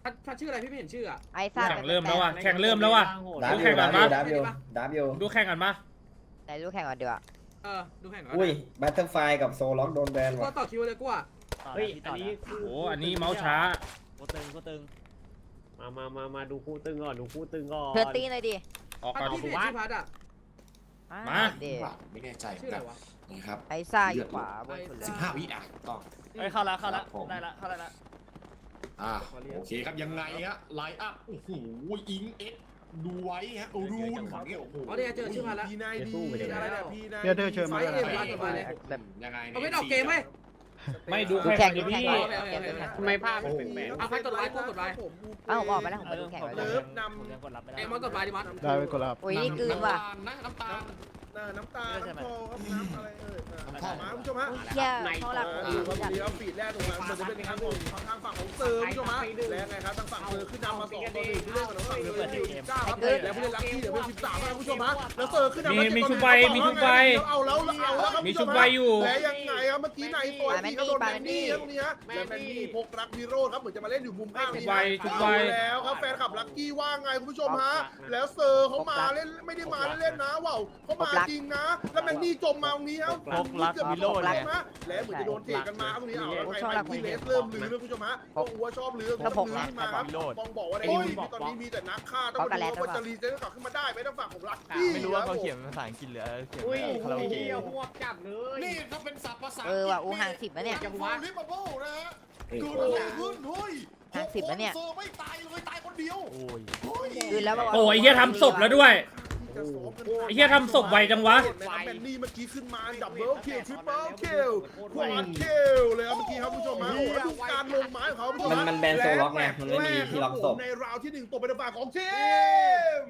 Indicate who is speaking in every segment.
Speaker 1: พัดชื่ออะไรพี่ไม่เห็นชื่ออ่ะ
Speaker 2: ไอ้ซ่า
Speaker 3: แข่งเริ่มแล้วว่ะแข่งเริ่มแล้วว่ะดูแข่งก่อนมา
Speaker 4: ดับอยู่
Speaker 3: ดูแข่งก่อนมา
Speaker 2: ไหนรู้แข่งก่อนดีกว่า
Speaker 1: ดูแข่งก่อน
Speaker 4: อุ้ยบัตเตอร์ไฟกับโซล็อกโดนแบน
Speaker 1: ก็
Speaker 4: ว่ะ
Speaker 1: ต่อคิวเลยกูอ่ะ
Speaker 5: เฮ้ยอันนี้
Speaker 3: โอ้โหอันนี้เมาส์ช้า
Speaker 5: กูตึงมาดูคู่ตึงก่อนดูคู่ตึงก่อน
Speaker 2: เธอตีหน่อยดิ
Speaker 3: ออก
Speaker 1: พัด
Speaker 3: ก่อน
Speaker 1: พี่ไม่เห็นชื่อพัดอ่ะ
Speaker 3: มา
Speaker 2: เดี๋ยว
Speaker 6: ไม่แน่ใจ
Speaker 1: ชื่ออะไรวะ
Speaker 6: นะครับ
Speaker 2: ไอ้ซ่าอยู่ขวาบนสุดเลย
Speaker 6: 15 วิอ่ะต้อง
Speaker 5: เฮ้ยเข้าแล้วได้ละเข้าละ
Speaker 6: โอเคครับยังไงฮะไลน์อัพโอ้โหอิงเอ็กดูไว้ฮะรูนโอ้โห
Speaker 1: อ๋อเนี่ยเจอชื่อพัดแล้ว
Speaker 7: พี่นายดีอะไรเนี่ยพี่นาย
Speaker 4: เดี๋ยวเชิญมา
Speaker 1: ไฟเอ็มพัดกลับมาเลย
Speaker 6: ยังไง
Speaker 1: เอาไม่ออกเกมไหม
Speaker 3: ไม่ดู
Speaker 2: ดู
Speaker 3: แข่ง
Speaker 2: แข่ง
Speaker 3: ดิ
Speaker 2: ดูแข่ง
Speaker 3: พี่
Speaker 5: ทำไมภาพมันเป็นแปลก
Speaker 1: เอาพัดกดไลค์กูกดไลค์
Speaker 2: เอ้าผมออกไปแล้วผมไปดูแข่ง
Speaker 5: ผ
Speaker 2: ไว้
Speaker 5: ม
Speaker 2: เลย
Speaker 5: กดรับไม่ได้
Speaker 1: เอ็มมากดไลค์ดิมัด
Speaker 4: ได้ไปกดรับ
Speaker 2: อุ้ยนี่กลืนว่ะ
Speaker 6: น้ำตาล
Speaker 7: น้ำตาน้ำคอครับน้ำอะไรมาคุณผู้ชมฮะ
Speaker 2: เชี่ยเขาหลักผม
Speaker 7: ดี
Speaker 2: อยู่
Speaker 7: ครับ
Speaker 2: จัด
Speaker 7: ดีครับฟีดแรกตรงนั้นมันจะเป็นทางของทางฝั่งของเซิร์ฟคุณผู้ชมฮะแล้วไงครับทางฝั่งเซิร์ฟขึ้นนำมา2-1ผู้เล่นของฝั่งเซิร์ฟอยู่9ครับแล้วผู้เล่นลัคกี้เดี๋ยวเป็น13ครับคุณผู้ชมฮะแล้วเซิร์ฟขึ้นนำเอาแล้วครับ
Speaker 3: มีชุบใบอยู่
Speaker 7: แล้วยังไงครับเมื่อกี้นายโอยที่เขาโดนแมนนี่ครับตรงนี้ฮะแล้วแมนนี่พกรักฮีโร่ครับเหมือนจะมาเล่นอยู่มุมข้างนี้แล้วครับแฟนคลับลัคกี้ว่าไงคุณผู้ชมฮะแล้วเซิร์ฟเขามาเล่นไม่ได้มาเล่นนะว้าวเขามาจริงนะแล้วแมนนี่จมมาตรงนี้ครับเกือบมีโลดเลยนะแล้วเหมือนจะโดนเทกันมาตรงนี้เอาแล้วไงพี่เลสเริ่มลือนะคุณผู้ชมฮะก็อัวชอบลือมาครับบองบอกว่าตอนนี้มีแต่นักฆ่าต้องมาดูว่าจะรีเซ็ตกลับขึ้นมาได้ไหมทางฝั่งของลัคกี้
Speaker 8: ไม่รู้ว่าเขาเขียนเป็นภาษาอังกฤษหรือเขียน
Speaker 5: อุ้ย
Speaker 8: คาราโอเกะ
Speaker 5: หัวจับเลย
Speaker 6: นี่ถ้าเป็นศัพท์ภาษา
Speaker 2: ว่ะอูห่าง10นะเนี่ย
Speaker 6: จังหวะลิปเปิลนะฮะ
Speaker 4: เฮ้ย
Speaker 6: เกิดอะไรขึ้นเฮ้ย
Speaker 2: ห่าง10นะเนี่ย
Speaker 6: เซอร์ไม่ตายเลยตายคนเดียว
Speaker 8: โอ้ย
Speaker 2: กลืนแล้วป่ะวะ
Speaker 3: โอ้ยเฮียทำศพแล้วด้วย ไอ้เหี้ยทำศพไวจังวะ
Speaker 7: แมนนี่เมื่อกี้ขึ้นมาดับเบิลคิลทริปเปิลคิลควอดคิลเลยครับเมื่อกี้ครับคุณผู้ชมมาแล้วดูการลงไม้ของเขาคุณผู้ชม
Speaker 4: มันแบนโซล็อกไงมันไม่มีที่ล็อกศพ
Speaker 7: ในราวที่1ตกเป็นฝ่ายของทีม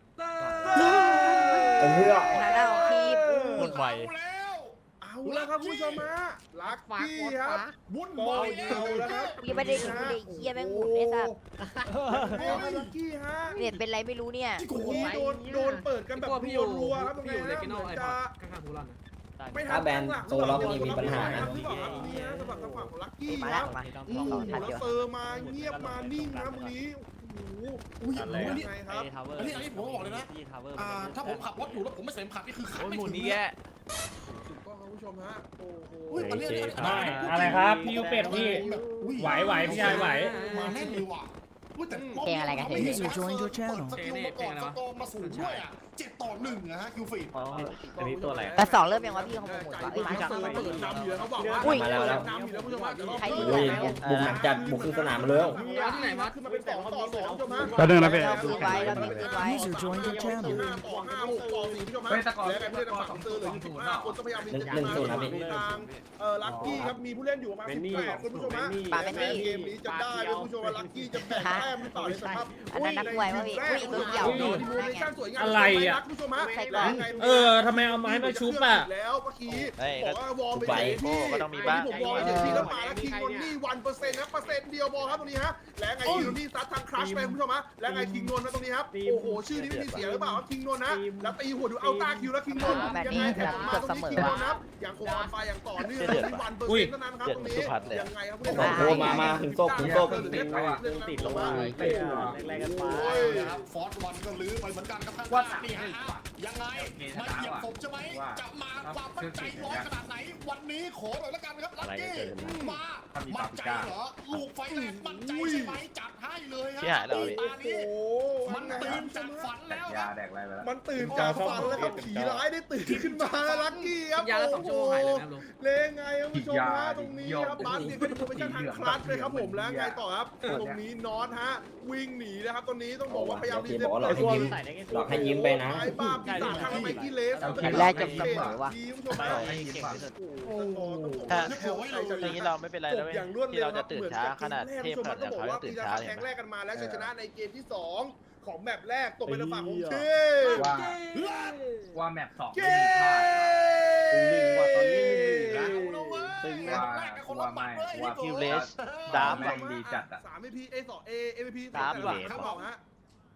Speaker 4: เพื่อ
Speaker 2: หาหน้าของทีม
Speaker 8: หมดไว
Speaker 7: เอาแล้วครับคุณผู้ชมมาลักกี้ครับ
Speaker 6: วุ่น
Speaker 7: บอ
Speaker 6: วา
Speaker 7: ล
Speaker 6: ย
Speaker 7: เอาแล้วครับ
Speaker 2: ยังไม่ได้ดูเลยเฮียแม่งหมุนไอ้สัส
Speaker 7: ลักกี้ฮะ
Speaker 2: เน็ตเป็นไรไม่รู้เนี่ย
Speaker 7: นี่โดนเปิดกันแบบ
Speaker 1: พี่อยู่
Speaker 7: รัวๆครับตรง
Speaker 1: พี่
Speaker 7: นี้
Speaker 1: อยู่เล
Speaker 7: นะ
Speaker 1: กิโน
Speaker 7: เหมื
Speaker 1: ไอ
Speaker 7: อน
Speaker 1: พอ
Speaker 7: จะ
Speaker 1: ดข้างๆฮูรัน
Speaker 7: ไม่ทั
Speaker 4: ถ้าแบนโซล็อกนี่มีปัญหานะ
Speaker 7: นี่นะสำหรับทางฝั่งของลักกี้
Speaker 2: มา
Speaker 7: ค
Speaker 2: แล้
Speaker 7: รั
Speaker 2: ว
Speaker 7: บ
Speaker 2: มา
Speaker 7: โอ้โหแล้วเซอร์มาเงียบมานิ่งนะตรงนี้โอ้โห
Speaker 6: อุ้ย
Speaker 7: อะไรไงครับ
Speaker 6: อันนี้ผมบอกเลยนะถ้าผมขับรถอยู่แล้วผมไม่ใส่เข็มขัดนี่คือขับ
Speaker 8: โอ้ย
Speaker 6: ไม่
Speaker 8: หมุน
Speaker 6: ถึง
Speaker 8: นี้แก
Speaker 7: ถูกต้องครับคุณผู้ชมฮะโอ้โห
Speaker 6: อุ้ยมันเรียก
Speaker 3: อะไรครับพี่ยูเป็ดพี่ ไหวพี่ชายไหว
Speaker 6: มาแน่นเลยว่ะอุ้ยแต่
Speaker 2: เพลงอะไรกัน
Speaker 6: ไม่เห็นสกอร์มาสูงด้วยอ่ะ7-1นะฮะคิวฟีด
Speaker 5: อันนี้ตัวอะไร
Speaker 2: แต่2เริ่มยังวะพี่ของผมหมด
Speaker 7: ใจ
Speaker 2: ว่ะ
Speaker 7: เปิดเปิดนำอยู่แล้วเขาบอกว่า
Speaker 2: อุ้ย
Speaker 7: มาแล้วนำอยู่แล้วคุณผู้ชมฮะ
Speaker 2: ใครดี
Speaker 4: อุ้ยบุกหนักจัดบุกขึ้นสนามมาเลย
Speaker 1: ที่ไหนมา
Speaker 7: ขึ้นมาเป็น2-2คุณผู้ชมฮะ
Speaker 4: แป๊บนึงนะพี่
Speaker 2: เราคืนไว้เราคืนไว้
Speaker 7: User joined your channel 5-6-4คุณผู้ชมฮะแล้วไงผู้เล่นทางฝั่งเซอร์เหลืออยู่15คนก็พยายามมีทางลัคกี้ครับมีผู้เล่นอยู่ประมาณ18คนคุณผู้ชมฮะเกมนี้จะได้คุณผู้ชมว่าลัคกี้จะแบ่งแต้มหรือเปล่าในสภาพ
Speaker 2: อันนั้นนักมวยว่ะพี่อุ้ยตัวเหี่ยว
Speaker 7: ดีมูเลชั่นสวยงาม
Speaker 3: อะไรอ่ะ
Speaker 7: คุณผู้ชมฮะ
Speaker 3: ทำไมเอาไม้มาชุบอ่ะ
Speaker 7: แล้วเมื่อกี้
Speaker 8: เฮ้ย
Speaker 7: บอกว่าวอลไป
Speaker 4: ไป
Speaker 7: ที่
Speaker 8: ก็ต้องมีบ้าง
Speaker 7: ผมวอลไปที่แล้วมาแล้วคิงนนนี่1%นะ1%เดียวบอลครับตรงนี้ฮะและไงคิงนนนี่ซัดทางครัชไปคุณผู้ชมฮะและไงคิงนนท์นะตรงนี้ครับโอ้โหชื่อนี้ไม่มีเสียหรือเปล่าครับคิงนนท์นะแล้วตีหัวดูเอาตาคิวแล้วคิงนนท์ยังไงแถมมาตรงนี้คิงนนท์นะครับยังคงออนไฟอย่างต่อเนื่องที่1%เท่านั้นครับตรงนี้ยังไงครับ
Speaker 4: โอ้โหมาถึงศพถึงศพ
Speaker 5: ติดลงมาแรงกันไป
Speaker 6: โอ้ยนะครับฟอร์ดวันก็ลื้อไปเหมือนกันครับข้างๆนี่ฮะยังไงมาเหยียบผมใช่ไหมจะมาความมั่นใจร้อยขนาดไหนวันนี้ขอหน่อยละกันครับลัคกี้มามั่นใจเหรอลูกไฟแรงมั่นใจใช่ไหมจัดให้เลยครับตานี้มันตื่นจากฝันแล้วครับ
Speaker 7: มันตื่นจากฝันแล้วครับผีร้ายได้ตื่นขึ้นมาลัคกี้ครับ
Speaker 1: ยาละ2 ชั่วโมงหายเลยนะครับลุง
Speaker 7: เลงไงครับผู้ชมฮะตรงนี้ครับบาสเนี่ยก็จะเป็นทางคลัตช์เลยครับผมแล้วไงต่อครับตรงนี้นอตฮะวิ่งหนีนะครับตรงนี้ต้องบอกว่าพยายามรีเซ็ต
Speaker 4: หลอกให้ยิ้มหลอกให้ยิ้มไปนะ
Speaker 7: ไอ้บ้าปีศาจทางไมกี้เลส
Speaker 2: แข่งแรกจบเสมอว่ะ
Speaker 7: โอ้โห
Speaker 8: ถ้าอย่างนี้เราไม่เป็นไรแล้วเว้ย
Speaker 7: อย่างรวด
Speaker 8: ที่
Speaker 7: เร็ว
Speaker 8: เราจะตื่นช้าขนาดเทพขนาด
Speaker 7: ต้อง
Speaker 8: เขา
Speaker 7: บอก
Speaker 8: จะ
Speaker 7: ว่า
Speaker 8: ตื่
Speaker 7: ปี
Speaker 8: น
Speaker 7: ศา
Speaker 8: ช้า
Speaker 7: จ
Speaker 8: เลย
Speaker 7: แข่งแรกกันมาแล้วชัยชนะในเกมที่2ของแมปแรกตกเป็นฝั่งของเทพ
Speaker 9: ว่าแมป2
Speaker 7: เก
Speaker 5: ตึงว่ะตอนนี้
Speaker 6: ตึงนะ
Speaker 9: ว่าไม่ว่า
Speaker 8: คิวเลสดาร์ฟ
Speaker 9: แม่งดีจัดอ่ะ
Speaker 7: 3 AP A 2 A MVP
Speaker 8: ดาร์ฟ
Speaker 7: แต่
Speaker 8: ว่ะ
Speaker 7: ละครับบอกฮะ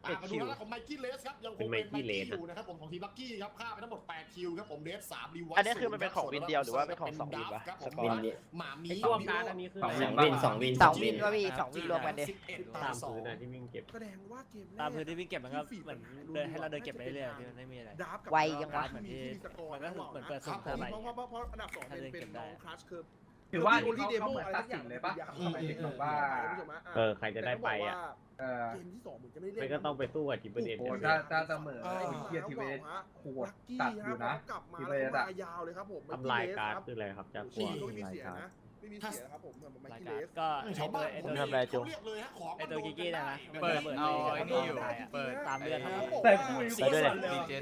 Speaker 6: มาดูหน้าของไมกี้เลสครับยังคงเป็นไมกี้อยู่นะครับผมของทีมลักกี้ครับฆ่าไปทั้งหมด8คิวครับผมเดส3รีไว
Speaker 8: อันนี้คือมันเป็นของวินเดียวหรือว่าเป็นของ2วินวะ
Speaker 6: ครับผม
Speaker 4: วินดิ
Speaker 6: หมามี
Speaker 5: ไอ้รวมการอันนี้คือ
Speaker 4: สองวิน
Speaker 2: สองวินวะพี่สองวินรวมกันดิ
Speaker 5: ตามพื้นนะที่วิ่งเก็บ
Speaker 7: แสดงว่าเกมแรก
Speaker 5: ตามพื้นที่วิ่งเก็บมันก็เหมือนเดินให้เราเดินเก็บไปเรื่อยๆพี่มันไม่มีอะไร
Speaker 7: ดาฟกับ
Speaker 2: ไวจังวะ
Speaker 7: เหมือนที่สกอร์
Speaker 5: มันก็เหมือนเปิด
Speaker 7: ค
Speaker 5: สุ่
Speaker 7: รับ
Speaker 5: มเท่าไหร่
Speaker 7: เพราะอันดับ2เป็นน้องคลัชคือ
Speaker 9: ถือว่า
Speaker 7: ที่เดโม
Speaker 9: เหมือน
Speaker 7: อะไร
Speaker 9: ตัด
Speaker 7: สักอ
Speaker 9: สิ
Speaker 7: ย่าง
Speaker 9: นเลยปะหมายถึงว่า
Speaker 5: ใครจะได้ไปอ่ะ
Speaker 9: เออ
Speaker 7: เกมที่2เหมือนจะไม่ได้
Speaker 5: มันก็ต้องไปสู้กับจิปเปอร์เดน
Speaker 9: โอ้
Speaker 5: เนี่ย
Speaker 9: ถ้าเสมอไอ้เกียร์ทีเวสโหดตัดอยู่นะ
Speaker 7: กลับมา
Speaker 9: ที
Speaker 7: แล้ว
Speaker 9: เวส
Speaker 7: ก็
Speaker 9: อะ
Speaker 7: มายาวเลยครับผม
Speaker 5: ทำลายการ์ดคืออะไรครับจาก
Speaker 7: ฉี
Speaker 5: กัว
Speaker 7: ก็ไม่มีเสียนะไม่มีเสียครับผมเหมือนไม
Speaker 5: ราย
Speaker 7: ค์
Speaker 5: การ
Speaker 7: เลส
Speaker 5: ก็
Speaker 6: ชาวบ้าน
Speaker 5: ไอ้
Speaker 6: ผม
Speaker 5: ตัว
Speaker 8: ทำอะไรจุ๊บ
Speaker 6: เรียกเลยฮะของ
Speaker 5: ไอ้ตัวกิกกี้นะนะ
Speaker 8: เปิดเอาไอ้นี่อยู่เปิด
Speaker 5: ตามเลือดครับ
Speaker 9: แต่คุย
Speaker 8: ไปด้วยเลย
Speaker 9: ดีเจน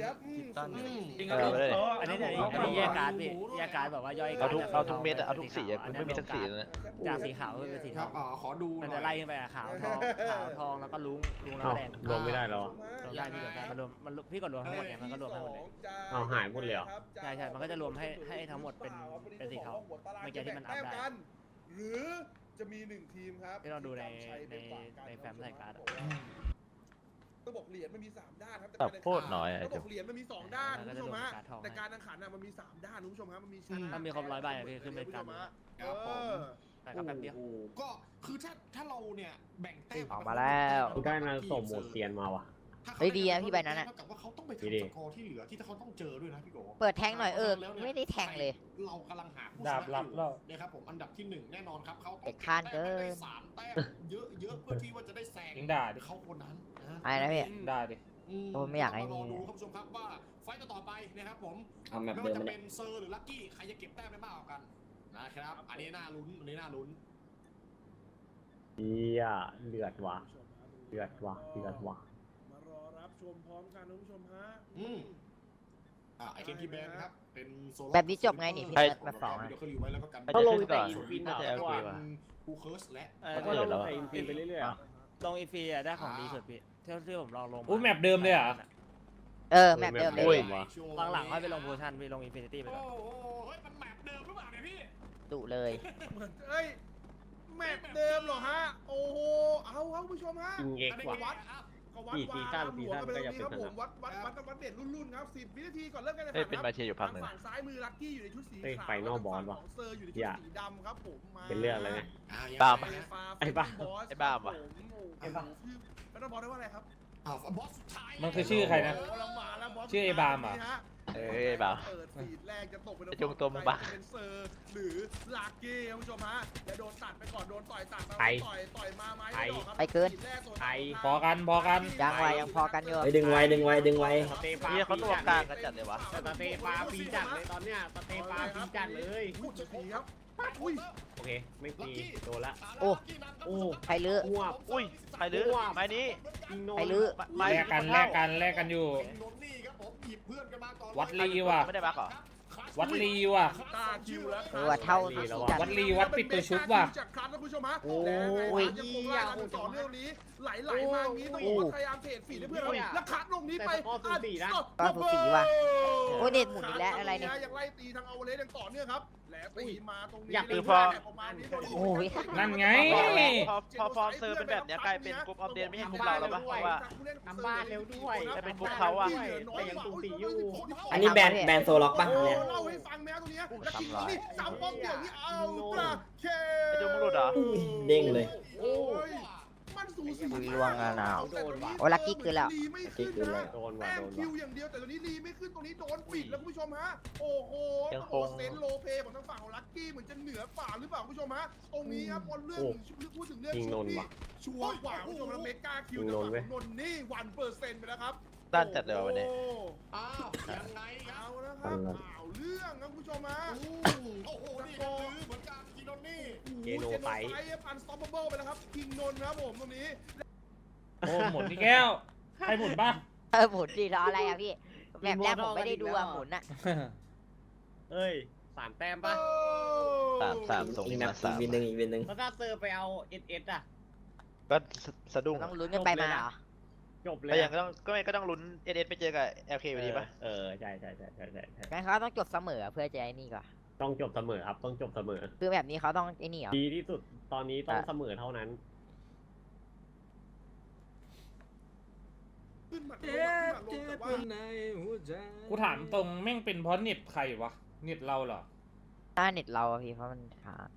Speaker 5: อันนี้แยกการ์ดพี่แยกการ์ดแบบว่าย่อย
Speaker 8: เอาทุกเม็ดอะเอาทุกสีอะกูไม่มีสักสีเลยนะ
Speaker 5: จากสีขาวขึ้นเป็นสี
Speaker 6: ค
Speaker 5: ท
Speaker 6: รั
Speaker 5: อบ ง
Speaker 6: ขอดู
Speaker 5: มันจะไล่ขึ้นไปอะขาวทองแล้วก็ลุ้งแล้วก็แดง
Speaker 1: รวมไม่ได้หรอ
Speaker 5: รวมได้พี่รวมได้มันรวมมันพี่กดรวมทั้งหมดเนี่ยมันก็รวมให้หมดเลย
Speaker 1: เอาหายหมดเลยเหรอ
Speaker 5: ใช่ใช่มันก็จะรวมให้ทั้งหมดเป็นสีเทาเมื่อกี้ที่มันอัพได้
Speaker 7: หรือจะมี1ทีมครับ
Speaker 5: ที่เราดูในแฟ้มรายการ์ด
Speaker 7: ต้องบอกเหรียญมันมี3ด้านครับ
Speaker 8: แต่โคตรน้อยอะ
Speaker 7: ต้องบอกเหรียญมันมี2ด้านคุณผู้ชมฮะแต่การแข่งขันมันมี3ด้านคุณผู้ชมครับมันมีชนะ
Speaker 5: ถ้ามีครบ100ใบอะพี่ขึ้นเป็นการ
Speaker 6: ครับผม
Speaker 5: แต่ก็แป๊บเดียว
Speaker 6: ก็คือถ้าเราเนี่ยแบ่งแต้ม
Speaker 2: ออกมาแล้ว
Speaker 1: กูได้นาโซโหมดเตียนมาว่ะ
Speaker 2: เฮ้ยดีนะพี่ใบนั้นอะ
Speaker 6: เท่ากับว่าเขาต้องไป
Speaker 1: ดี
Speaker 6: ทำสกอร์ที่เหลือที่เขาต้องเจอด้วยนะพี่โก
Speaker 2: เปิดแทงหน่อยไม่ได้แทงเลย
Speaker 6: เรากำลังหาผู้ช
Speaker 3: ดาบ
Speaker 6: นะ
Speaker 3: ลับ
Speaker 6: อยู่
Speaker 3: แล้ว
Speaker 6: นะครับผมอันดับที่1แน่นอนครับเขาต้อง
Speaker 2: เด็กข้านเกิน
Speaker 6: ได้3แต้มเยอะๆเพื่อที่ว่าจะได้แซง
Speaker 3: ยิงด่าดิ
Speaker 6: เขาคนนั้นนะ
Speaker 2: อะไรนะพี่
Speaker 3: ได้ดิ
Speaker 2: โอ้ไม่อยากให้
Speaker 6: ร
Speaker 2: มี
Speaker 6: ดูครับผู้ชมครับว่าไฟต์ต่อไปนะครับผม
Speaker 4: เอาแมป
Speaker 6: ไม่
Speaker 4: เดิ
Speaker 6: ว่าม จะ
Speaker 4: มา
Speaker 6: เป็
Speaker 4: เนี่ย
Speaker 6: นเซอร์หรือลัคกี้ใครจะเก็บแต้มได้มากกว่ากันนะครับ อันนี้น่าลุ้นอันนี้น่าลุ้น
Speaker 1: เฮียเลือดว่ะเลือดว่ะเลือดว่ะ
Speaker 7: มารอรับชมพร้อมกันคุณผู้ชมฮะ
Speaker 6: ไอเคนทีแบนครับเป็นโซล
Speaker 2: แบบนี้จบไงนี่พี่
Speaker 8: ใช่
Speaker 2: แบบสองอะ
Speaker 6: เดี๋ยวเขาอยู่ไว้แล้วก็กัน
Speaker 8: เขาลงแต่
Speaker 5: ฟิน
Speaker 8: น่าจะ
Speaker 5: เอา
Speaker 8: โอเคว่ะ
Speaker 6: คูเคิร์สและ
Speaker 5: ก็ลงแต่อินฟินไปเรื่อยๆลงอินฟินได้ของดีสุดพี่ที่ผมลองลง
Speaker 3: อุ้ยแมปเดิมเลยเหรอ
Speaker 2: แมปเดิมเล
Speaker 8: อุ้ย
Speaker 2: ย
Speaker 5: หลังๆค่อยไปลงโพชั่นไปลงอินฟินิตี้ไป
Speaker 6: โอ้
Speaker 5: ก่อน
Speaker 6: โหเฮ้ยมันแมปเดิมหรือเปล่าเนี่ยพี่
Speaker 2: ดุเลย
Speaker 7: เหมือนเอ้ยแมปเดิมเหรอฮะโอ้โหเอาครับคุณผู้ชมฮะ
Speaker 1: อิงเอ็กซ์ว่ะ
Speaker 7: วัดก็วัด
Speaker 1: กี่ซีซั่น
Speaker 7: วา
Speaker 1: ซีซั่น
Speaker 7: หัว
Speaker 1: ก็ยัง
Speaker 7: ไปตรงนี้ครับ
Speaker 1: เป็น
Speaker 7: ผมวัดเด็ดรุ่นๆครับ10 วินาทีก่อนเริ่มการแข่ง
Speaker 8: เอ้ย
Speaker 7: ขัน
Speaker 8: เป็นมาเชียร์อยู่พักหนึ่ง
Speaker 7: ฝั่งซ้ายมือลัคกี้อยู่ในชุดสี
Speaker 1: เฮ้ย
Speaker 7: ขาว
Speaker 1: ไฟนอลบอลว่ะ
Speaker 7: ฝั่งขงเซอร์อยู่ในชุด
Speaker 1: อย่า
Speaker 7: สีดำครับผมมา
Speaker 1: เป็นเรื่องอะไรไง
Speaker 8: บ้าปะ
Speaker 1: ไอ้บ้า
Speaker 8: ไอ้บ้าปะ
Speaker 7: ไอ้บ้าเป็นนอลบอลได้ว่าอะไรครับ
Speaker 6: บอสสุดท้าย
Speaker 3: มันคือชื่อใครนะ
Speaker 7: โอ้เรามาแล้วบอส
Speaker 3: ชื่อไอ้บามเหรอ
Speaker 7: นี่ฮะ
Speaker 8: เอ้ยบ่าว
Speaker 7: เปิดฟีดแรกจะตกเป็น
Speaker 8: ไอ้จุงตัวมึงบ้า
Speaker 7: เป็นเซอร์หรือลากกี้ครับคุณผู้ชมฮะและโดนตัดไปก่อนโดนต่อยตัดมา
Speaker 1: ไอ้
Speaker 7: ต่อยมาไหม
Speaker 1: ไอ้
Speaker 7: ม่ดครับ
Speaker 2: ไปเกิน
Speaker 7: ฟีดแรโซน
Speaker 1: ไอ้
Speaker 3: พอกันพอกัน
Speaker 2: ยังไวยังพอกันอยู่
Speaker 4: เฮ้ยดึงไว้ดึงไว้ดึงไว้
Speaker 1: สเตฟา
Speaker 8: นี่เขาตัวกลางกันจัดเลยวะ
Speaker 1: สเตฟาปีจัดเลยตอนเนี้ยสเตฟาปีจัดเลย
Speaker 7: พูดจะสีครับอุ้ย
Speaker 1: โอเค ไม่ตีโดนละ
Speaker 2: โอ้
Speaker 1: โอ้
Speaker 2: ใครลื้อ
Speaker 1: อ้วบ
Speaker 8: อุ้ยใครลื้อไม้นี้
Speaker 1: ยิงโน
Speaker 2: ใครลื้อ
Speaker 8: ไม้
Speaker 3: แลกกันแลกกันแลกกันอยู่
Speaker 6: นนนี่ครับผมหยิบเพื่อนกันมาก่อน
Speaker 3: วัดลีว่ะ
Speaker 8: ไม่ได้บักเหรอ
Speaker 3: วัดลีว่ะ
Speaker 7: ตาคิวแล้ว
Speaker 2: เท่าจัด
Speaker 3: วัดลีวัดปิดตัวชุบว่ะ
Speaker 7: จากครั้งนะคุณผู้ชมฮะ
Speaker 2: โอ้ย
Speaker 7: และไงยังคงไล่กันต่อเนื่องนี้ไหลมาอย่างนี้ต้องบอกว่าพยายามเทรดฟีดให้เพื่อนเราแล้วคัดลงนี้ไป
Speaker 2: ก็สูสีว่ะ โอ้ยเน็ตหมุนอีกแล้วอะไรเนี่ย
Speaker 7: ยังไล่ตีทางเอาเลสยังต่อเนื่องครับแล้วตีมาตรงนี้
Speaker 1: อยาก
Speaker 8: คือพอ
Speaker 2: โอ้ย
Speaker 3: นั่นไง
Speaker 8: พอฟอร์มเซอร์เป็นแบบเนี้ยกลายเป็นกรุ๊ปออฟเดนไม่ใช่กรุ๊ปเราแล้วปะเพราะว่า
Speaker 1: ทำบ้านเร็วด้วย
Speaker 8: แต่เป็นกรุ๊ปเขาอะ
Speaker 1: แต่ยังสูสีอยู่
Speaker 4: อันนี้แบนโซล็อกป่ะเนี่ย
Speaker 7: เล่าให้ฟังแมวตรงนี้แล้วคิงนี่สามป้อมเดี่ยวนี่เอาตราเค
Speaker 8: ไอ้จุงมึงหลุดเหรอ
Speaker 4: เด้งเลย
Speaker 7: โอ้ยมันสูสี
Speaker 2: คุยล่วงงานเอา
Speaker 1: โดนว่ะ
Speaker 2: โอ้ลัคกี้คือแล้ว
Speaker 7: ลีไม่ขึ้นนะ
Speaker 1: โดนว่ะ
Speaker 7: แต้ม
Speaker 1: โดน
Speaker 7: คิว
Speaker 1: ว่ะ
Speaker 7: อย่างเดียวแต่ตอนนี้ลีไม่ขึ้นตรงนี้โดนปิดแล้วคุณผู้ชมฮะโอ้โห
Speaker 8: ยังคง
Speaker 7: โอ้เซนโลเปของทางฝั่งของลัคกี้เหมือนจะเหนือกว่าหรือเปล่าคุณผู้ชมฮะตรงนี้ครับพอเรื่องพูดถึงเรื่อง
Speaker 1: ยิง
Speaker 7: ชุ
Speaker 1: น
Speaker 7: ด
Speaker 1: น
Speaker 7: นี่
Speaker 1: ว่ะ
Speaker 7: ชัวร์กว่าคุณผู้ชมแล้วเมกาคิว
Speaker 1: ยิงนนเว้ย
Speaker 7: นนนี่1%ไปแล้วครับ
Speaker 8: ด้านจัดเลยว่ะวันนี้
Speaker 7: โอ้
Speaker 6: อ้าวยังไงครับ
Speaker 7: เอาแล้วครับข่าวเรื่องครับคุณผู้ชมฮะ
Speaker 6: โอ้โหนี่ก็คือเหมือนกันกินนนี่
Speaker 1: เกโนไฟ
Speaker 7: อันสต็อปเบิลไปแล้วครับคิงนนท์ครับผมตรงนี้
Speaker 3: โอ้หมุนที่แก้วใครหมุนป่ะ
Speaker 2: หมุนดีรออะไรอะพี่ แบบแรกผมไม่ได้ดูอะหมุนอะ
Speaker 5: เอ้ย3 แต้มป่ะ
Speaker 8: สามส่ง
Speaker 4: อีก
Speaker 8: มา
Speaker 4: นะ
Speaker 8: สาม
Speaker 4: อีกวินหนึ่งอีกวินหนึ่ง
Speaker 5: แล้วถ้าเซอร์ไปเอาเอสอ่ะ
Speaker 8: ก็สะดุ้ง
Speaker 2: ต้องลุ้นกันไปมาเหรอ
Speaker 5: จบเล
Speaker 8: ก็
Speaker 5: ย
Speaker 8: ยังก็ต้องลุ้นเอสไปเจอกับเอลเคอยู่ดีปะ
Speaker 1: ใช่ใช่
Speaker 2: งั้นเขาต้องจบเสมอเพื่อจะไอ้นี่ก่อน
Speaker 1: ต้องจบเสมอครับต้องจบเสมอ
Speaker 2: คือแบบนี้เขาต้องไอ้นี่เหรอ
Speaker 1: ดีที่สุดตอนนี้ต้องเสมอเท่านั้น
Speaker 7: หมัดลงหมัดลงแต่ว่า
Speaker 3: กูถามตรงแม่งเป็นเพราะเน็ตใครวะเน็ตเราเหรอ
Speaker 2: ถ้าเน็ตเราอะพี่เพราะมันค้าง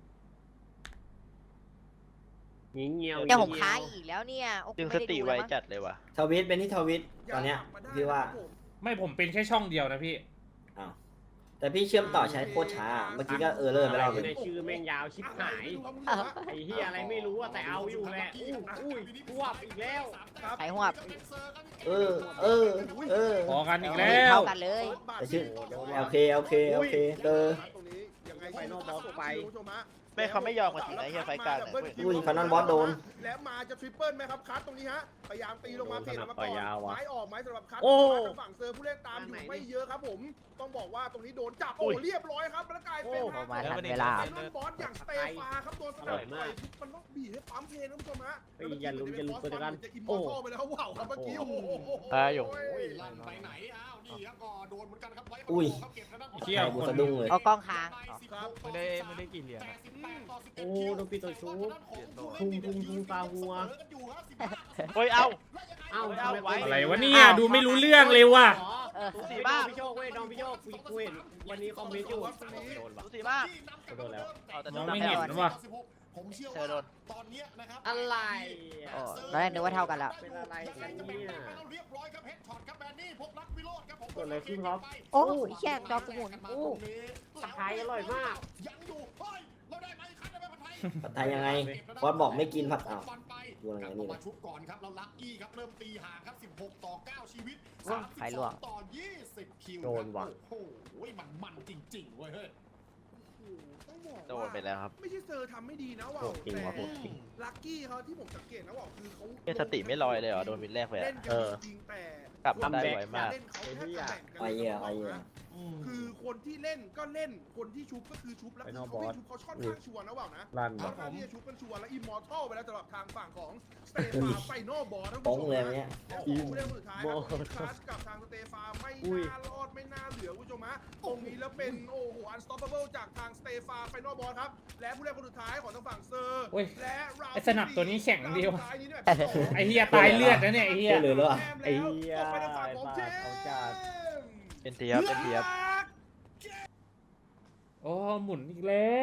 Speaker 5: ยิงเงียว
Speaker 2: เนี่ยผมค้างอีกแล้วเนี่ยโอ้โห
Speaker 8: ดึง
Speaker 2: ไม่
Speaker 8: ส
Speaker 2: ได้
Speaker 8: ติ
Speaker 2: ดู
Speaker 8: ไว
Speaker 2: แล้วมั้ง
Speaker 8: จัดเลยว่ะ
Speaker 4: ทวิตเป็นที่ทวิตตอนเนี้ยพี่ว่า
Speaker 3: ไม่ผมเป็นแค่ช่องเดียวนะพี่
Speaker 4: อ้าวแต่พี่เชื่อมต่อใช้โคตรช้าเมื่อกี้ก็เลอร์ไปรอบนึง
Speaker 5: ในชื่อแม่งยาวชิบหายไอ้เฮียอะไรไม่รู้อะแต่เอาอยู่แหละอุ้ยพวบอีกแล้ว
Speaker 2: ไข่หวบ
Speaker 4: เออ
Speaker 3: พอกันอีกแล้ว
Speaker 2: เท่ากันเลย
Speaker 4: แต่ชื่อโอเคเออ
Speaker 7: ตรงนี้ยังไง
Speaker 5: ไปนอกบอสไป
Speaker 7: คุณผู้ชมฮะ
Speaker 8: ไม่เขาไม่ยอมกันจริงนะเฮียไฟกลางเนี่ยเว้ย
Speaker 4: อุ้ยฟันนอนบอสโดน
Speaker 7: แล้วมาจะทริปเปิลไหมครับคัทตรงนี้ฮะพยายามตีลงมาเทลงมาก่อนไม้ออกไม้สำหรับคัท
Speaker 5: โอ้
Speaker 7: ทางฝั่งเซอร์ผู้เล่นตามอยู่ไม่เยอะครับผมต้องบอกว่าตรงนี้โดนจับโอ้เรียบร้อยครับแล้วกลายเป็น
Speaker 2: โอ้มาทันเวลา
Speaker 7: ไอ้นอนบอสอย่างสเตฟาครับโดนสลับไปมันต้องบีบให้ปั๊มเพลงนะคุณผู้ชมฮะ
Speaker 5: อย่าลุ้นตัวกัน
Speaker 7: จะอิมมอร์ทัลไปแล้วว้าวครับเมื่อกี้โอ้โห
Speaker 8: อยู่
Speaker 6: ลั่นไปไหนอ้าวนี่ครับก็โดนเหมือนกันครับไว้
Speaker 4: อุ้ย
Speaker 6: เก็บทางด้าน
Speaker 3: เชี่ยว
Speaker 4: กูสะดุ้งเลย
Speaker 2: เอากล้องค้าง
Speaker 8: ไม่ได้กี่เหรียญ
Speaker 5: โอ้โดนปีตัวชูทุ่งตาหัว
Speaker 8: เฮ้ยเอา
Speaker 5: เอ้า
Speaker 3: อะไรวะเนี่ยดูไม่รู้เรื่องเลยว่ะ
Speaker 5: ดูสีบ้าพี่โชคเว้ยน้องพี่โชคกูเห็นวันนี้คอมเมนต์อยู่โดนปะ
Speaker 8: ดูสิมาก
Speaker 5: โดนแล้ว
Speaker 8: เอาแต่
Speaker 3: มอง
Speaker 8: น้ำ
Speaker 3: ไม่
Speaker 8: แพ้
Speaker 3: เห็นว่ะ
Speaker 6: ผมเชื่อ
Speaker 8: เธอโด
Speaker 6: ว่าน ตอนนี้นะครับ
Speaker 5: อะไร
Speaker 2: โอ้ตอนแรกนึกว่าเท่ากันแล้ว
Speaker 5: เป็นอะไรกันเนี่ย
Speaker 6: เรียบร้อยครับเฮดช็อตครับแบนนี่พบรักวิโรจน์ครับผม
Speaker 5: เกิดอะไรขึ้นครับ
Speaker 2: โอ้ยแค่จอกูหมุนโอ้
Speaker 5: ตะไคร้อร่อยมาก
Speaker 6: ยังอยู่เฮ้ยเราได้ไหมคันได้ไหมผัดไทย
Speaker 4: ผัดไทยยังไงบอสบอกไม่กินผัดอ้าว
Speaker 6: ฟันไป
Speaker 4: ดูยังไงนี่
Speaker 6: มาชุบก่อนครับแล้วลัคกี้ครับเริ่มตีห่างครับ16 ต่อ 9 ชีวิต
Speaker 2: ใครล่วง
Speaker 6: 32ต่อ 20 คิว
Speaker 5: โดนว่ะ
Speaker 6: โอ้โหมันจริงๆเว้ยเฮ้ย
Speaker 8: โดนไปแล้วครับ
Speaker 7: ไม่ใช่เซอร์ทำไม่ดีนะว่าว
Speaker 5: โหดจริงว่ะโหดจริง
Speaker 7: ลัคกี้เขาที่ผมสังเกตนะว่าวคือเขา
Speaker 8: เฮียสติไม่ลอยเลยเหรอโดนวินแรกไป
Speaker 7: เล่
Speaker 8: อะ
Speaker 7: นกันจริงแต่
Speaker 8: กลับมาได้ไวมาก
Speaker 7: เล่นเขาแทบจะแบ่งกัน
Speaker 4: ไอ้เหี้ยไอ้เหี้ย
Speaker 7: คือคนที่เล่นก็เล่นคนที่ชุบก็คือชุบแล้วคือเขาไม่ชุบเขาค่อนข้างชัวร์นะว่าวนะ
Speaker 1: ลั่น
Speaker 7: ค่อนข้างที่จะชุบกันชัวร์แล้วอิมมอร์ทัลไปแล้วสำหรับทางฝั่งของสเตฟาไฟนอลบอลทั้ง
Speaker 4: ป้องเลยเนี่ย
Speaker 7: ผู้เล่นคนสุดท้ายครับคลาสกับทางสเตฟาไม่น่ารอดไม่น่าเหลือคุณผู้ชมฮะตรงนี้แล้วเป็นโอ้โหอันสต็อปเบิลจากทางสเตฟาไฟนอลบอลครับและผู้เล่นคนสุดท้ายของทางฝั่งเซอร์
Speaker 3: โอ้ย
Speaker 7: และเรา
Speaker 3: ไอ้สนับตัวนี้แข็งดีว่ะ
Speaker 7: ท้ายนี้เนี่ย
Speaker 3: ไอ้เฮียตายเลือดนะเนี่ยไอ้เฮีย
Speaker 4: เหลือแล้วอ่ะ
Speaker 1: ไอ้เหี้ย
Speaker 7: ออกไปทางฝั่งของเจม
Speaker 1: เขาจัด
Speaker 8: เป็นเทียบเป็นเทียบ
Speaker 3: โอ้หมุนอีกแล้ว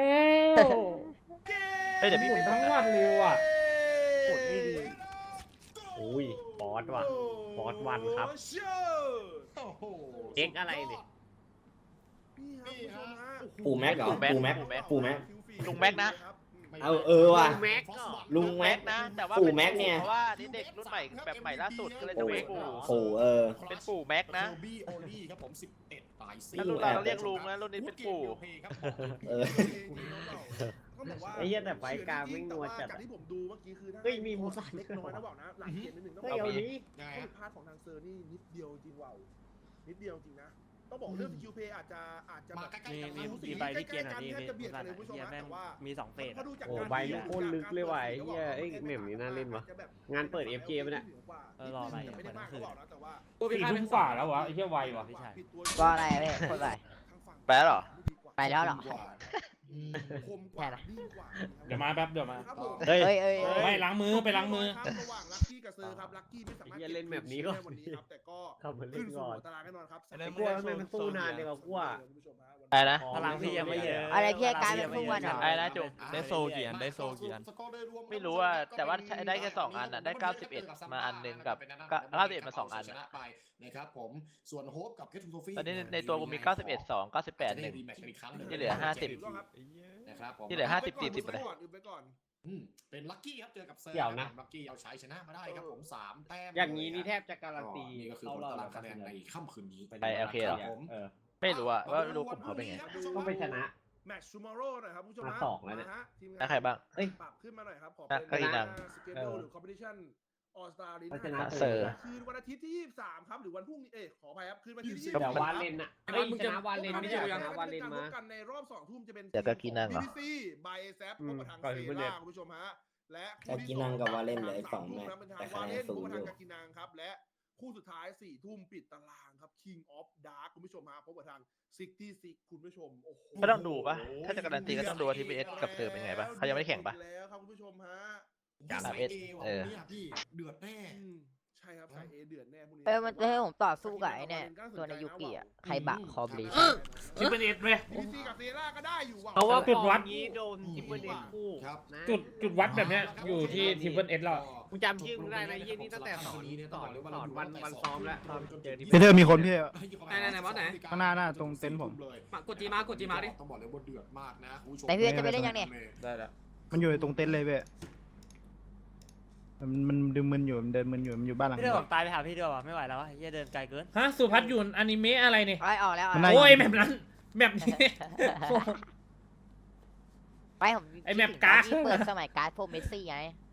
Speaker 8: เฮ้ยเดี๋ยว
Speaker 3: ห
Speaker 8: พี่
Speaker 3: มุนทั้งวันเลยว่ะ
Speaker 2: กดไม่ดี
Speaker 5: อุ้ยบอสว่ะ บอสวันครับ
Speaker 6: โอ้โห
Speaker 5: เอ็กอะไรเนี่ย
Speaker 7: นี่ครับคุณผู้ชมฮะ
Speaker 4: ปู่แม็กเหรอปู่แม็กปู่แม็ก
Speaker 8: ลุงแม็กนะ
Speaker 4: เอาว่ะ
Speaker 5: แม็กก็
Speaker 4: ลุงแม็ก
Speaker 8: นะ แต่ว่า
Speaker 4: ปู่แม็กเนี่ย
Speaker 8: เพราะว่านี่เด็กรุ่นใหม่แบบใหม่ล่าสุดก็เลยต้องเป็นปู่
Speaker 4: ปู่
Speaker 8: เป็นปู่แม็กนะ
Speaker 6: โอบี้โอลี่ครับผม11ตาย
Speaker 8: ถ้ารุ่นเราเรียกลุงนะรุ่นนี้เป็นปู่
Speaker 4: เออ
Speaker 5: ไอ้เหี้ยแต่ไฟกลางไม่งัวจัด
Speaker 7: จากที่ผมดูเมื่อกี้คือ
Speaker 5: เฮ้ยมีมูสัน
Speaker 7: เล็กน้อยนะบอกนะหลังเกมนิดนึงต้อง
Speaker 5: เฮ้ย
Speaker 7: บอก
Speaker 5: เอา
Speaker 7: ว่า
Speaker 5: นี้
Speaker 6: ยังไง
Speaker 7: ข้อผิดพลาดของทางเซอร์นี่นิดเดียวจริงว่าวนิดเดียวจริงนะต้องบอกเรื่องสกิลเพย์อาจจะแบบ
Speaker 6: มีใบที่เกณฑ์อ่ะพี่พี่สันเฮียแม่งมี2เฟส
Speaker 5: โอ้ใบมันโคตรลึกเลยว่ะไอ้เหี้ยเอ้ยแหม่มนี่น่าเล่นว่ะงานเปิด FJ ปะเนี่ย
Speaker 6: รออะไร
Speaker 7: ไม่ได้มากเขาบอกนะแต่ว่า
Speaker 3: สี่ทุ่มฝ่าแล้ววะไอ้เฮียไวว่ะ
Speaker 2: ว่าอะไรอะพี่คนไร
Speaker 8: ไปแล้วเหรอ
Speaker 2: ไปแล้วเหรอ
Speaker 7: คมกว่าดีกว่า
Speaker 3: เดี๋ยวมาแป๊บเดี๋ยวมา
Speaker 7: ครับผม
Speaker 5: เฮ้ย
Speaker 2: เอ้ย
Speaker 3: ไม่ล้างมือไปล้างมือ
Speaker 7: ระหว่างลัคกี้กับเซอร์ครับลัคกี้ไม่สามารถ
Speaker 5: ไอ้เหี้ยเล่นแบบนี้ก่อน
Speaker 7: วันนี้ครับแต่ก็
Speaker 5: เข้ามาเล่
Speaker 7: ขึ้
Speaker 5: น
Speaker 7: นสู่
Speaker 5: ก่อน
Speaker 7: หัวตารางแน่นอนครับ
Speaker 5: ไอ้กลัวทำไมมันสู้นานเลยว่ะกลัว
Speaker 8: อะไรนะ
Speaker 5: พลังพี่ยังไม่เยอะ
Speaker 2: อะไรพี่กลายเป็นผู้วันเหรอ
Speaker 8: อะไรนะจุ๊บ
Speaker 9: ได้โซกี่อันได้โซกี่อัน
Speaker 8: ไม่รู้อะแต่ว่าได้แค่2 อันอะได้91มาอันหนึ่งกับ91มา2 อันอะ
Speaker 6: นะครับผมส่วนโฮปกับเคทูโซฟี่
Speaker 8: ตอนนี้ในตัวกูมี91 2 98 1 ที่เหลือ50
Speaker 6: นะครับผม
Speaker 8: ที่เหลือ50 40ไปเลย
Speaker 7: ไปก่อน
Speaker 6: เป็นลัคกี้ครับเจอกับเซอร์
Speaker 5: เดี๋ยวนะ
Speaker 6: ลัคกี้เอาชัยชนะมาได้ครับผม3 แต้ม
Speaker 5: อย่างนี้นี่แทบจะการันตี
Speaker 6: นี่ก็คือผลตารางคะแนนในค่ำคืนนี้
Speaker 8: ไปโอเคเหรอ
Speaker 6: ผม
Speaker 8: ไม่รู้อะว่ารู้กลุ่มเขาเป็นไง
Speaker 5: ต้องไปชนะ
Speaker 7: แมตช์ทูมอร์โร่หน่อยครับผู้ชม
Speaker 5: มาสองแล้วเนี่ย
Speaker 8: ได้ใครบ้าง
Speaker 5: เอ้ย
Speaker 7: ปรับขึ้นมาหน่อยครับขอ
Speaker 8: อ่ะ
Speaker 7: เป็น
Speaker 8: ก็อีกหนึ่ง
Speaker 7: สเกจดูหรือคอมเพติชันออสตาลี
Speaker 5: พัฒนา
Speaker 8: เซอร์
Speaker 7: คืนวันอาทิตย์ที่23ครับหรือวันพรุ่งนี้ขออภัยครับคืนวันอาทิตย์ที่
Speaker 5: เดี๋ยว
Speaker 7: 23
Speaker 5: วาเลนอะเฮ้ยชนะวาเลนไม่ใช่ชนะวาเลนมา
Speaker 7: พบกันในรอบ2 ทุ่มจะเป็น
Speaker 8: เดี๋ยวก็กินนั่งเหรอ
Speaker 7: BBC บายแซฟพบกับทาง
Speaker 5: ก่อน
Speaker 7: เซ
Speaker 5: ถึงประเด็น
Speaker 7: ราคุณผู้ชมฮะและ
Speaker 4: กากินังกับวาเลนเหลืออีก
Speaker 7: ทาง
Speaker 4: 2 แมตช์
Speaker 7: เป็นทาง
Speaker 4: แต่คะ
Speaker 7: วา
Speaker 4: แน
Speaker 7: เล
Speaker 4: น
Speaker 7: น
Speaker 4: สู
Speaker 7: พ
Speaker 4: ง
Speaker 7: บกับ
Speaker 4: อ
Speaker 7: ทาง
Speaker 4: ยู่
Speaker 7: กากินังครับและคู่สุดท้าย4 ทุ่มปิดตารางครับ King of Dark คุณผู้ชมฮะพบกับทาง66คุณผู้ชมโอ้โห
Speaker 8: ก็ต้องดูปะถ้าจะการันตีก็ต้องดูว่า TPS กับเธอเป็นไงปะเขายังไม่ได้แข่งปะ
Speaker 7: แล้วครับคุณผู้ชมฮะ
Speaker 8: สาม
Speaker 6: เอ
Speaker 8: เอส
Speaker 6: วันนี้พี่เดือดแน่
Speaker 7: อืมใช่ครับสายเอเดือดแน่พวกนี้
Speaker 2: มันจะให้ผมต่อสู้กับไอ้เนี่ยตัวในยูกิอ่ะใครบะคอบลี
Speaker 3: ทิปเปิลเอสเว้ย
Speaker 7: พีซีกับเซร่าก็ได้อยู่ว่ะ
Speaker 3: เพราะว่าจุดวัด
Speaker 5: นี้โดนทิปเปิลเอคู่
Speaker 6: ครับ
Speaker 5: นะ
Speaker 3: จุดวัดแบบเนี้ยอยู่ที่ทิปเปิลเอสแล้ว
Speaker 5: กูจำชื่อมึงได้นะเยี่ยนี่ตั้งแต่สอนวันซ้อมแล้วเจอที่
Speaker 10: พี่เธอมีคนพี่
Speaker 6: ไหนบอสไหน
Speaker 10: ข้างหน้าตรงเต็นท์ผม
Speaker 6: กดจีมาดิต้องบอกเลยว่าเดือดมากนะคุณผู้ชม
Speaker 2: ไหนพี่จะไปเล่นยังเนี่ย
Speaker 3: ได้แล้ว
Speaker 10: มันอยู่ตรงเต็นท์เลยเว้ยมันดึงมึนอยู่มันเดินมึนอยู่มันอยู่บ้านหลัง
Speaker 2: พี่เดือผมตายไปหาพี่เดือว่ะไม่ไหวแล้ววะเฮียเดินไกลเกิน
Speaker 3: ฮะสุพัฒน์อยู่อนิเมะอะไรเนี่ย
Speaker 2: ไล่ออกแล้ว
Speaker 3: โอ้ยแบบนั้นแบบนี้
Speaker 2: ไปผม
Speaker 3: ไอ้แมปการ์ด
Speaker 2: ที่เปิดสมัยการ์ดพวกเมสซี่ไง